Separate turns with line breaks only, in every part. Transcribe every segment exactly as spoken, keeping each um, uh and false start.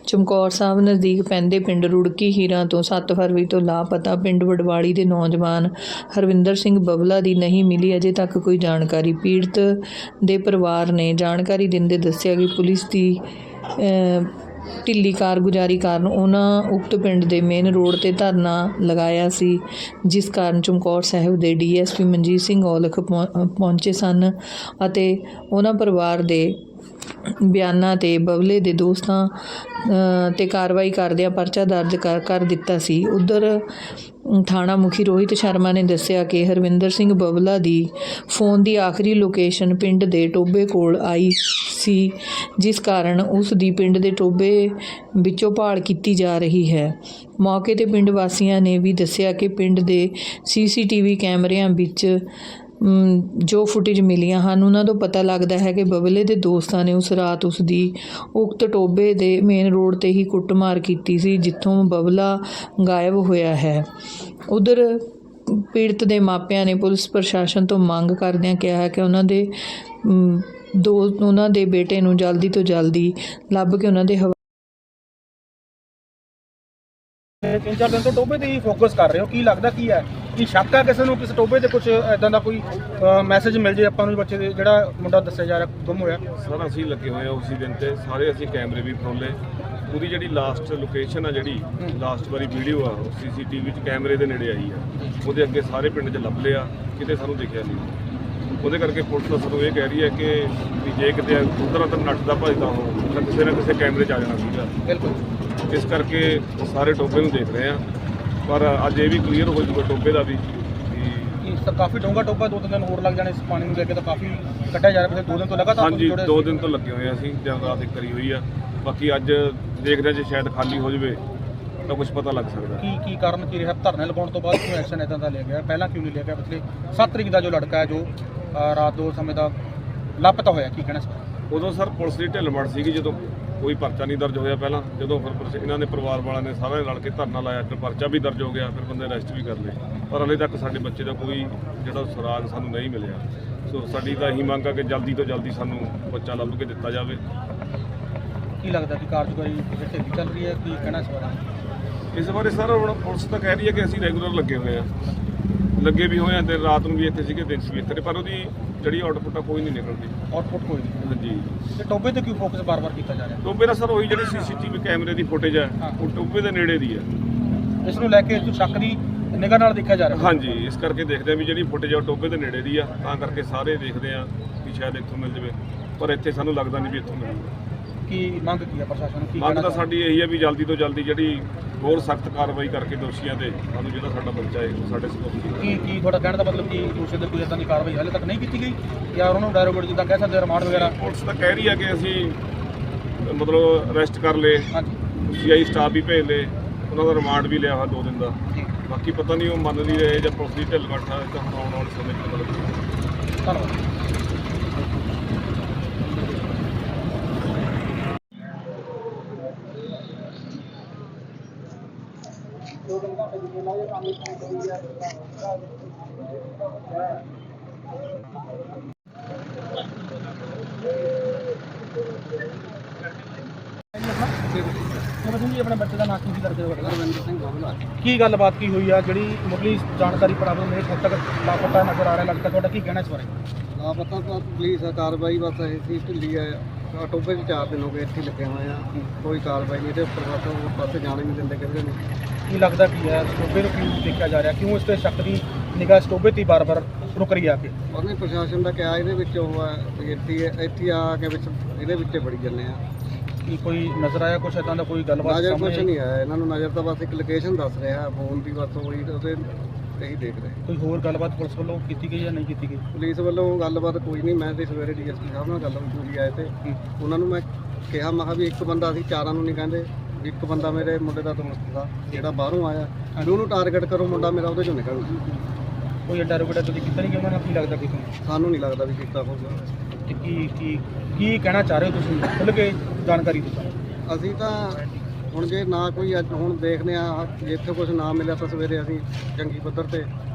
ਚਮਕੌਰ ਸਾਹਿਬ ਨਜ਼ਦੀਕ ਪੈਂਦੇ ਪਿੰਡ ਰੁੜਕੀ ਹੀਰਾਂ ਤੋਂ ਸੱਤ ਫਰਵਰੀ ਤੋਂ ਲਾਪਤਾ ਪਿੰਡ ਵਡਵਾਲੀ ਦੇ ਨੌਜਵਾਨ ਹਰਵਿੰਦਰ ਸਿੰਘ ਬਬਲਾ ਦੀ ਨਹੀਂ ਮਿਲੀ ਅਜੇ ਤੱਕ ਕੋਈ ਜਾਣਕਾਰੀ। ਪੀੜਤ ਦੇ ਪਰਿਵਾਰ ਨੇ ਜਾਣਕਾਰੀ ਦਿੰਦੇ ਦੱਸਿਆ ਕਿ ਪੁਲਿਸ ਦੀ ਢਿੱਲੀ ਕਾਰਗੁਜ਼ਾਰੀ ਕਾਰਨ ਉਹਨਾਂ ਉਕਤ ਪਿੰਡ ਦੇ ਮੇਨ ਰੋਡ ਤੇ ਧਰਨਾ ਲਗਾਇਆ ਸੀ, ਜਿਸ ਕਾਰਨ ਚਮਕੌਰ ਸਾਹਿਬ ਦੇ D S P Manjit Singh Aulakh ਪਹੁੰਚੇ ਸਨ ਅਤੇ ਉਹਨਾਂ ਪਰਿਵਾਰ ਦੇ ਬਿਆਨਾਂ ਤੇ ਬਬਲੇ ਦੇ ਦੋਸਤਾਂ ਤੇ ਕਾਰਵਾਈ ਕਰਦਿਆਂ ਪਰਚਾ ਦਰਜ ਕਰ ਕਰ ਦਿੱਤਾ ਸੀ। ਉਧਰ ਥਾਣਾ ਮੁਖੀ ਰੋਹਿਤ ਸ਼ਰਮਾ ਨੇ ਦੱਸਿਆ ਕਿ ਹਰਵਿੰਦਰ ਸਿੰਘ ਬਬਲਾ ਦੀ ਫੋਨ ਦੀ ਆਖਰੀ ਲੋਕੇਸ਼ਨ ਪਿੰਡ ਦੇ ਟੋਬੇ ਕੋਲ ਆਈ ਸੀ, ਜਿਸ ਕਾਰਨ ਉਸ ਦੀ ਪਿੰਡ ਦੇ ਟੋਬੇ ਵਿੱਚੋਂ ਭਾਲ ਕੀਤੀ ਜਾ ਰਹੀ ਹੈ। ਮੌਕੇ ਤੇ ਪਿੰਡ ਵਾਸੀਆਂ ਨੇ ਵੀ ਦੱਸਿਆ ਕਿ ਪਿੰਡ ਦੇ ਸੀ ਸੀ ਟੀ ਵੀ ਕੈਮਰਿਆਂ ਵਿੱਚ ਜੋ ਫੁਟੇਜ ਮਿਲੀਆਂ ਹਨ ਉਹਨਾਂ ਤੋਂ ਪਤਾ ਲੱਗਦਾ ਹੈ ਕਿ ਬਬਲੇ ਦੇ ਦੋਸਤਾਂ ਨੇ ਉਸ ਰਾਤ ਉਸ ਦੀ ਉਕਤ ਟੋਬੇ ਦੇ ਮੇਨ ਰੋਡ ਤੇ ਹੀ ਕੁੱਟਮਾਰ ਕੀਤੀ ਸੀ, ਜਿੱਥੋਂ ਬਬਲਾ ਗਾਇਬ ਹੋਇਆ ਹੈ। ਉਧਰ ਪੀੜਤ ਦੇ ਮਾਪਿਆਂ ਨੇ ਪੁਲਿਸ ਪ੍ਰਸ਼ਾਸਨ ਤੋਂ ਮੰਗ ਕਰਦਿਆਂ ਕਿਹਾ ਹੈ ਕਿ ਉਹਨਾਂ ਦੇ ਦੋ ਉਹਨਾਂ ਦੇ ਬੇਟੇ ਨੂੰ ਜਲਦੀ ਤੋਂ ਜਲਦੀ ਲੱਭ ਕੇ ਉਹਨਾਂ ਦੇ
ਤਿੰਨ ਚਾਰ ਦਿਨ ਤੋਂ ਟੋਬੇ ਤੇ ਹੀ ਫੋਕਸ ਕਰ ਰਹੇ ਹੋ, ਕੀ ਲੱਗਦਾ ਕੀ ਹੈ ਕਿ ਸ਼ੱਕ ਹੈ ਕਿਸੇ ਨੂੰ, ਕਿਸੇ ਟੋਬੇ ਤੇ ਕੁਝ ਇਦਾਂ ਦਾ ਕੋਈ ਮੈਸੇਜ ਮਿਲ ਜੇ ਆਪਾਂ ਨੂੰ ਬੱਚੇ ਦੇ ਜਿਹੜਾ ਮੁੰਡਾ ਦੱਸਿਆ ਜਾ ਰਿਹਾ ਗੁੰਮ ਹੋਇਆ?
ਸਰ ਅਸੀਂ ਲੱਗੇ ਹੋਏ ਆ ਉਸੇ ਦਿਨ ਤੇ ਸਾਰੇ ਅਸੀਂ ਕੈਮਰੇ ਵੀ ਫਰੋਲੇ, ਉਹਦੀ ਜਿਹੜੀ ਲਾਸਟ ਲੋਕੇਸ਼ਨ ਆ ਜਿਹੜੀ ਲਾਸਟ ਵਾਰੀ ਵੀਡੀਓ ਆ ਉਹ ਸੀ ਸੀ ਟੀ ਵੀ 'ਚ ਕੈਮਰੇ ਦੇ ਨੇੜੇ ਆਈ ਆ, ਉਹਦੇ ਅੱਗੇ ਸਾਰੇ ਪਿੰਡ 'ਚ ਲੱਭ ਲਿਆ, ਕਿਤੇ ਸਾਨੂੰ ਦਿਖਿਆ ਨਹੀਂ। ਉਹਦੇ ਕਰਕੇ ਪੁਲਿਸ ਤਾਂ ਸਾਨੂੰ ਇਹ ਕਹਿ ਰਹੀ ਹੈ ਕਿ ਵੀ ਜੇ ਕਿਤੇ ਉਧਰ ਉਧਰ ਨੱਠਦਾ ਭੱਜਦਾ ਹੋ ਤਾਂ ਕਿਸੇ ਨਾ ਕਿਸੇ ਕੈਮਰੇ 'ਚ ਆ ਜਾਣਾ ਸੀਗਾ।
ਬਿਲਕੁਲ,
ਇਸ ਕਰਕੇ ਸਾਰੇ ਟੋਬੇ ਨੂੰ ਦੇਖ ਰਹੇ ਆ, ਪਰ ਅੱਜ ਇਹ ਵੀ ਕਲੀਅਰ ਹੋ ਜੂਗਾ ਟੋਬੇ ਦਾ ਵੀ
ਕਿ ਕਾਫੀ ਡੂੰਘਾ ਟੋਬਾ, ਦੋ ਤਿੰਨ ਦਿਨ ਹੋਰ ਲੱਗ ਜਾਣੇ ਇਸ ਪਾਣੀ ਨੂੰ ਲੈ ਕੇ, ਤਾਂ ਕਾਫੀ ਕੱਢਿਆ ਜਾ ਰਿਹਾ। ਦੋ ਦਿਨ ਤੋਂ ਲਗਾਤਾਰ
ਹਾਂਜੀ ਦੋ ਦਿਨ ਤੋਂ ਲੱਗੇ ਹੋਏ ਅਸੀਂ, ਦਿਨ ਰਾਤ ਇੱਕ ਕਰੀ ਹੋਈ ਆ। ਬਾਕੀ ਅੱਜ ਦੇਖਦੇ ਜੇ ਸ਼ਾਇਦ ਖਾਲੀ ਹੋ ਜਾਵੇ ਤਾਂ ਕੁਝ ਪਤਾ ਲੱਗ ਸਕਦਾ।
ਕੀ ਕੀ ਕਾਰਨ ਕੀ ਰਿਹਾ ਧਰਨੇ ਲਗਾਉਣ ਤੋਂ ਬਾਅਦ ਕੋਈ ਐਕਸ਼ਨ ਇਦਾਂ ਦਾ ਲਿਆ ਗਿਆ? ਪਹਿਲਾਂ ਕਿਉਂ ਨਹੀਂ ਲਿਆ ਗਿਆ? ਪਿਛਲੇ ਸੱਤ ਤਰੀਕ ਦਾ ਜੋ ਲੜਕਾ ਹੈ ਜੋ ਰਾਤ ਦੋ ਸਮੇਂ ਦਾ ਲਾਪਤਾ ਹੋਇਆ, ਕੀ ਕਹਿਣਾ ਸਰ?
ਉਦੋਂ ਸਰ ਪੁਲਿਸ ਦੀ ਢਿੱਲ-ਮੱਠ ਸੀਗੀ, ਜਦੋਂ ਕੋਈ ਪਰਚਾ ਨਹੀਂ ਦਰਜ ਹੋਇਆ ਪਹਿਲਾਂ, ਜਦੋਂ ਫਿਰ ਇਹਨਾਂ ਨੇ ਪਰਿਵਾਰ ਵਾਲਿਆਂ ਨੇ ਸਾਰਿਆਂ ਨੇ ਰਲ ਕੇ ਧਰਨਾ ਲਾਇਆ, ਫਿਰ ਪਰਚਾ ਵੀ ਦਰਜ ਹੋ ਗਿਆ, ਫਿਰ ਬੰਦੇ ਅਰੈਸਟ ਵੀ ਕਰ ਲਏ, ਪਰ ਹਲੇ ਤੱਕ ਸਾਡੇ ਬੱਚੇ ਦਾ ਕੋਈ ਜਿਹੜਾ ਸੁਰਾਗ ਸਾਨੂੰ ਨਹੀਂ ਮਿਲਿਆ। ਸੋ ਸਾਡੀ ਤਾਂ ਇਹੀ ਮੰਗ ਆ ਕਿ ਜਲਦੀ ਤੋਂ ਜਲਦੀ ਸਾਨੂੰ ਬੱਚਾ ਲੱਭ ਕੇ ਦਿੱਤਾ ਜਾਵੇ।
ਕੀ ਲੱਗਦਾ ਕਿ ਕਾਰਜਕਾਰੀ ਢਿੱਲੀ ਚੱਲ ਰਹੀ ਹੈ, ਕੀ ਕਹਿਣਾ ਇਸ ਬਾਰੇ?
ਇਸ ਬਾਰੇ ਸਰ ਹੁਣ ਪੁਲਿਸ ਤਾਂ ਕਹਿ ਰਹੀ ਹੈ ਕਿ ਅਸੀਂ ਰੈਗੂਲਰ ਲੱਗੇ ਹੋਏ ਆ, ਲੱਗੇ ਵੀ ਹੋਏ ਆ, ਦਿਨ ਰਾਤ ਨੂੰ ਵੀ ਇੱਥੇ ਸੀਗੇ, ਦਿਨ ਵੀ ਇੱਥੇ, ਪਰ ਉਹਦੀ ਜਿਹੜੀ ਆਊਟਪੁੱਟ ਆ ਕੋਈ ਨਹੀਂ ਨਿਕਲਦੀ।
ਆਊਟਪੁੱਟ ਕੋਈ ਨਹੀਂ?
ਹਾਂਜੀ।
ਤੇ ਟੋਬੇ ਤੇ ਕਿਉਂ ਫੋਕਸ ਬਾਰ-ਬਾਰ ਕੀਤਾ ਜਾ ਰਿਹਾ?
ਟੋਬੇ ਦਾ ਸਰ ਉਹੀ ਜਿਹੜੀ ਸੀ ਸੀ ਟੀ ਵੀ ਕੈਮਰੇ ਦੀ ਫੁਟੇਜ ਹੈ ਉਹ ਟੋਬੇ ਦੇ ਨੇੜੇ ਦੀ ਹੈ,
ਇਸ ਨੂੰ ਲੈ ਕੇ ਜੋ ਸ਼ੱਕ ਦੀ ਨਿਗਾਹ ਨਾਲ ਦੇਖਿਆ ਜਾ ਰਿਹਾ?
ਹਾਂਜੀ, ਇਸ ਕਰਕੇ ਦੇਖਦੇ ਆ ਵੀ ਜਿਹੜੀ ਫੁਟੇਜ ਆ ਟੋਬੇ ਦੇ ਨੇੜੇ ਦੀ ਆ, ਤਾਂ ਕਰਕੇ ਸਾਰੇ ਦੇਖਦੇ ਆ ਕਿ ਸ਼ਾਇਦ ਇੱਥੋਂ ਮਿਲ ਜਾਵੇ, ਪਰ ਇੱਥੇ ਸਾਨੂੰ ਲੱਗਦਾ ਨਹੀਂ ਵੀ ਇੱਥੋਂ ਮਿਲੂਗਾ।
ਕੀ ਮੰਗ ਕੀ ਹੈ ਪ੍ਰਸ਼ਾਸਨ ਨੂੰ? ਕੀ
ਮੰਗ ਤਾਂ ਸਾਡੀ ਇਹੀ ਹੈ ਵੀ ਜਲਦੀ ਤੋਂ ਜਲਦੀ ਜਿਹੜੀ ਹੋਰ ਸਖਤ ਕਾਰਵਾਈ ਕਰਕੇ ਦੋਸ਼ੀਆਂ ਤੇ ਸਾਨੂੰ ਜਿਹੜਾ ਸਾਡਾ ਬੱਚਾ ਹੈ ਸਾਡੇ ਸਪੋਰਟ।
ਕੀ ਕੀ ਤੁਹਾਡਾ ਕਹਿਣ ਦਾ ਮਤਲਬ ਕਿ ਦੋਸ਼ੀ ਦੇ ਕੋਈ ਇਦਾਂ ਦੀ ਕਾਰਵਾਈ ਹਾਲੇ ਤੱਕ ਨਹੀਂ ਕੀਤੀ ਗਈ ਜਾਂ ਉਹਨਾਂ ਨੂੰ ਡਾਇਰੈਕਟ ਜਿੱਦਾਂ ਕਹਿ ਸਕਦੇ ਰਿਮਾਂਡ ਵਗੈਰਾ?
ਪੁਲਿਸ ਤਾਂ ਕਹਿ ਰਹੀ ਹੈ ਕਿ ਅਸੀਂ ਮਤਲਬ ਅਰੈਸਟ ਕਰ ਲਏ,
ਹਾਂਜੀ,
ਸੀ ਆਈ ਸਟਾਫ ਵੀ ਭੇਜ ਲਏ, ਉਹਨਾਂ ਦਾ ਰਿਮਾਂਡ ਵੀ ਲਿਆ ਹੋਇਆ ਦੋ ਦਿਨ ਦਾ। ਬਾਕੀ ਪਤਾ ਨਹੀਂ ਉਹ ਮੰਨ ਨਹੀਂ ਰਹੇ ਜਾਂ ਪੁਲਿਸ ਦੀ ਢਿੱਲ ਮੱਠ ਆ, ਤਾਂ ਹੁਣ ਆਉਣ ਵਾਲੇ ਸਮੇਂ 'ਚ ਪਤਾ ਲੱਗੇਗਾ।
ਧੰਨਵਾਦ। ਜੀ ਆਪਣੇ ਬੱਚੇ ਦਾ ਨਾਂ ਕੀ ਕਰਦੇ ਹੋ? ਹਰਵਿੰਦਰ ਸਿੰਘ ਬਬਲਾ। ਕੀ ਗੱਲਬਾਤ ਕੀ ਹੋਈ ਆ ਜਿਹੜੀ ਮੁੱਢਲੀ ਜਾਣਕਾਰੀ ਪ੍ਰਾਪਤ ਮੇਰੇ ਹੱਦ ਤੱਕ ਲਾਪਤਾ ਨਜ਼ਰ ਆ ਰਿਹਾ ਲੱਗਦਾ, ਤੁਹਾਡਾ ਕੀ ਕਹਿਣਾ ਇਸ ਬਾਰੇ?
ਲਾਪਤਾ ਤਾਂ ਪੁਲਿਸ ਕਾਰਵਾਈ ਬਸ ਇਹ ਸੀ ਢਿੱਲੀ ਹੈ, ਟੋਬੇ 'ਚ ਚਾਰ ਦਿਨ ਹੋ ਗਏ ਇੱਥੇ ਲੱਗੇ ਹੋਏ ਆ, ਕੋਈ ਕਾਰਵਾਈ ਨਹੀਂ, ਇਹਦੇ ਉੱਪਰ ਬਸ ਉਹ ਪਾਸੇ ਜਾਣ ਹੀ ਨਹੀਂ ਦਿੰਦੇ ਕਿਸੇ ਨੂੰ।
ਕੀ ਲੱਗਦਾ ਕੀ ਹੈ ਟੋਬੇ ਨੂੰ ਕਿਉਂ ਦੇਖਿਆ ਜਾ ਰਿਹਾ, ਕਿਉਂ ਇਸ 'ਤੇ ਸ਼ੱਕ ਦੀ ਨਿਗਾਹ ਟੋਬੇ 'ਤੇ ਬਾਰ-ਬਾਰ ਰੁਕ ਰਹੀ ਆ ਕੇ?
ਉਹਨੇ ਪ੍ਰਸ਼ਾਸਨ ਦਾ ਕਿਹਾ ਇਹਦੇ ਵਿੱਚ ਉਹ ਹੈ ਵੀ ਇੱਥੇ ਇੱਥੇ ਆ ਕੇ ਵਿੱਚ ਇਹਦੇ ਵਿੱਚ ਵੜੀ ਜਾਂਦੇ ਆ।
ਕੀ ਕੋਈ ਨਜ਼ਰ ਆਇਆ ਕੁਛ ਇਦਾਂ ਦਾ, ਕੋਈ ਗੱਲਬਾਤ?
ਨਜ਼ਰ ਕੁਛ ਨਹੀਂ ਆਇਆ ਇਹਨਾਂ ਨੂੰ, ਨਜ਼ਰ ਤਾਂ ਬਸ ਇੱਕ ਲੋਕੇਸ਼ਨ ਦੱਸ ਰਿਹਾ ਫੋਨ ਦੀ, ਬਸ ਉਹੀ ਉਹਦੇ ਇਹੀ ਦੇਖ ਰਹੇ।
ਕੋਈ ਹੋਰ ਗੱਲਬਾਤ ਪੁਲਿਸ ਵੱਲੋਂ ਕੀਤੀ ਗਈ ਜਾਂ ਨਹੀਂ ਕੀਤੀ ਗਈ?
ਪੁਲਿਸ ਵੱਲੋਂ ਗੱਲਬਾਤ ਕੋਈ ਨਹੀਂ, ਮੈਂ ਤੇ ਸਵੇਰੇ ਡੀ ਐਸ ਪੀ ਸਾਹਿਬ ਨਾਲ ਗੱਲ ਪੂਰੀ ਆਏ ਤੇ ਉਹਨਾਂ ਨੂੰ ਮੈਂ ਕਿਹਾ, ਮੈਂ ਕਿਹਾ ਵੀ ਇੱਕ ਬੰਦਾ ਅਸੀਂ ਚਾਰਾਂ ਨੂੰ ਨਹੀਂ ਕਹਿੰਦੇ, ਇੱਕ ਬੰਦਾ ਮੇਰੇ ਮੁੰਡੇ ਦਾ ਦੋਸਤ ਦਾ ਜਿਹੜਾ ਬਾਹਰੋਂ ਆਇਆ, ਉਹਨੂੰ ਟਾਰਗੇਟ ਕਰੋ, ਮੁੰਡਾ ਮੇਰਾ ਉਹਦੇ 'ਚੋਂ ਨਿਕਲ।
ਕੋਈ ਅੱਡਾ ਰੁਕੜਾ ਤੁਸੀਂ ਕੀਤਾ ਨਹੀਂ ਕਿ ਉਹਨਾਂ ਨਾਲ? ਕੀ ਲੱਗਦਾ ਕਿਸੇ ਨੂੰ?
ਸਾਨੂੰ ਨਹੀਂ ਲੱਗਦਾ ਵੀ ਕੀਤਾ ਹੋਊਗਾ।
ਤੇ ਕੀ ਕੀ ਕੀ ਕਹਿਣਾ ਚਾਹ ਰਹੇ ਹੋ ਤੁਸੀਂ ਖੁੱਲ੍ਹ ਕੇ ਜਾਣਕਾਰੀ ਦਿਓ?
ਅਸੀਂ ਤਾਂ ਹੁਣ ਜੇ ਨਾ ਕੋਈ ਅੱਜ ਹੁਣ ਦੇਖਦੇ ਆ, ਜੇ ਇੱਥੇ ਕੁਝ ਨਾ ਮਿਲਿਆ ਤਾਂ ਸਵੇਰੇ ਅਸੀਂ ਜੰਗੀ ਪੱਧਰ ਤੇ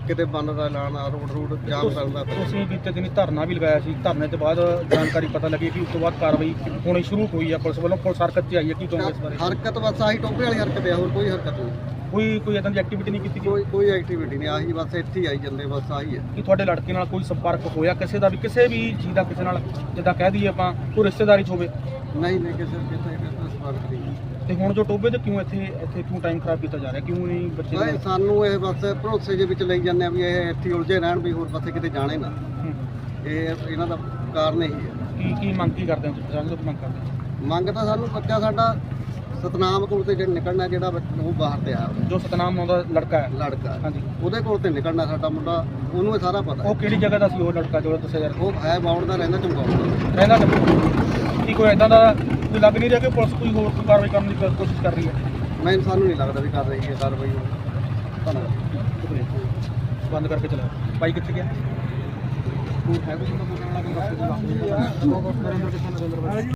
ਕਿਤੇ ਬੰਦ ਦਾ ਐਲਾਨ ਆ, ਰੋਡ ਰੂਡ ਜਾਮ ਕਰਨ ਦਾ।
ਤੁਸੀਂ ਬੀਤੇ ਦਿਨੀ ਧਰਨਾ ਵੀ ਲਗਾਇਆ ਸੀ, ਧਰਨੇ ਤੋਂ ਬਾਅਦ ਜਾਣਕਾਰੀ ਪਤਾ ਲੱਗੀ ਕਿ ਉਸ ਤੋਂ ਬਾਅਦ ਕਾਰਵਾਈ ਹੋਣੀ ਸ਼ੁਰੂ ਹੋਈ ਹੈ ਪੁਲਿਸ ਵੱਲੋਂ, ਪੁਲਿਸ ਹਰਕਤ 'ਚ ਆਈ ਹੈ, ਕੀ ਕਹੋਗੇ ਇਸ ਬਾਰੇ?
ਹਰਕਤ ਬਸ ਆਹੀ ਟੋਪੇ ਵਾਲੀ ਹਰਕਤ ਹੈ, ਹੋਰ ਕੋਈ ਹਰਕਤ ਨਹੀਂ,
ਕੋਈ ਕੋਈ ਇਦਾਂ ਦੀ ਐਕਟੀਵਿਟੀ ਨਹੀਂ ਕੀਤੀ ਗਈ
ਕੋਈ ਕੋਈ ਐਕਟੀਵਿਟੀ ਨਹੀਂ, ਆਹੀ ਬਸ ਇੱਥੇ ਹੀ ਆਈ ਜਾਂਦੇ, ਬਸ ਆਹੀ ਹੈ।
ਕਿ ਤੁਹਾਡੇ ਲੜਕੇ ਨਾਲ ਕੋਈ ਸੰਪਰਕ ਹੋਇਆ ਕਿਸੇ ਦਾ ਵੀ, ਕਿਸੇ ਵੀ ਚੀਜ਼ ਦਾ ਕਿਸੇ ਨਾਲ, ਜਿੱਦਾਂ ਕਹਿ ਦਈਏ ਆਪਾਂ ਕੋਈ ਰਿਸ਼ਤੇਦਾਰੀ 'ਚ ਹੋਵੇ?
ਨਹੀਂ ਨਹੀਂ ਕਿਸੇ ਕਿਸੇ ਕਿਸੇ ਸਵਾਰਥ ਨਹੀਂ।
ਤੇ ਹੁਣ ਜੋ ਟੋਬੇ ਤੇ ਕਿਉਂ ਇੱਥੇ ਇੱਥੇ ਕਿਉਂ ਟਾਈਮ ਖਰਾਬ ਕੀਤਾ ਜਾ ਰਿਹਾ, ਕਿਉਂ ਨਹੀਂ ਬੱਚੇ
ਨਹੀਂ, ਸਾਨੂੰ ਇਹ ਬਸ ਭਰੋਸੇ ਦੇ ਵਿੱਚ ਲਈ ਜਾਂਦੇ ਆ ਵੀ ਇਹ ਇੱਥੇ ਹੀ ਉਲਝੇ ਰਹਿਣ, ਵੀ ਹੋਰ ਪਾਸੇ ਕਿਤੇ ਜਾਣੇ ਨਾ।
ਹੂੰ।
ਇਹ ਇਹਨਾਂ ਦਾ ਕਾਰਨ ਇਹੀ ਹੈ।
ਕੀ ਕੀ ਮੰਗ ਕੀ ਕਰਦੇ ਹੋ ਤੁਸੀਂ, ਸਾਨੂੰ ਤਾਂ ਮੰਗ ਕਰਦੇ ਹੋ?
ਮੰਗ ਤਾਂ ਸਾਨੂੰ ਬੱਚਾ ਸਾਡਾ ਸਤਨਾਮ ਕੋਲ ਤੇ ਜਿਹੜਾ ਨਿਕਲਣਾ, ਜਿਹੜਾ ਬੱਚ- ਉਹ ਬਾਹਰ ਤੇ ਆਇਆ ਹੋਇਆ
ਜੋ ਸਤਨਾਮ ਨਾਂ ਦਾ ਲੜਕਾ ਹੈ,
ਲੜਕਾ,
ਹਾਂਜੀ,
ਉਹਦੇ ਕੋਲ ਤੇ ਨਿਕਲਣਾ ਸਾਡਾ ਮੁੰਡਾ, ਉਹਨੂੰ ਇਹ ਸਾਰਾ ਪਤਾ।
ਉਹ ਕਿਹੜੀ ਜਗ੍ਹਾ ਦਾ ਸੀ ਉਹ ਲੜਕਾ ਜੋ ਦੱਸਿਆ ਜਾ ਰਿਹਾ?
ਉਹ ਹੈ ਬਾਉਣ ਦਾ, ਰਹਿੰਦਾ ਚਮਕੌਰ ਦਾ।
ਰਹਿੰਦਾ ਕਿੱਥੇ? ਕੀ ਕੋਈ ਇਦਾਂ ਦਾ ਕੋਈ ਲੱਗ ਨਹੀਂ ਰਿਹਾ ਕਿ ਪੁਲਿਸ ਕੋਈ ਹੋਰ ਕੋਈ ਕਾਰਵਾਈ ਕਰਨ ਦੀ ਕੋ- ਕੋਸ਼ਿਸ਼ ਕਰ ਰਹੀ ਹੈ?
ਮੈਂ ਸਾਨੂੰ ਨਹੀਂ ਲੱਗਦਾ ਵੀ ਕਰ ਰਹੀ ਹੈ ਕਾਰਵਾਈ ਉਹ।
ਧੰਨਵਾਦ। ਬੰਦ ਕਰਕੇ ਚਲਾਓ। ਬਾਈ ਕਿੱਥੇ ਗਿਆ? ਕੋਈ ਹੈ ਕੋਈ ਬੰਦਾ ਬੋਲਣ ਵਾਲਾ ਕੋਈ ਦੱਸੋ ਜੀ।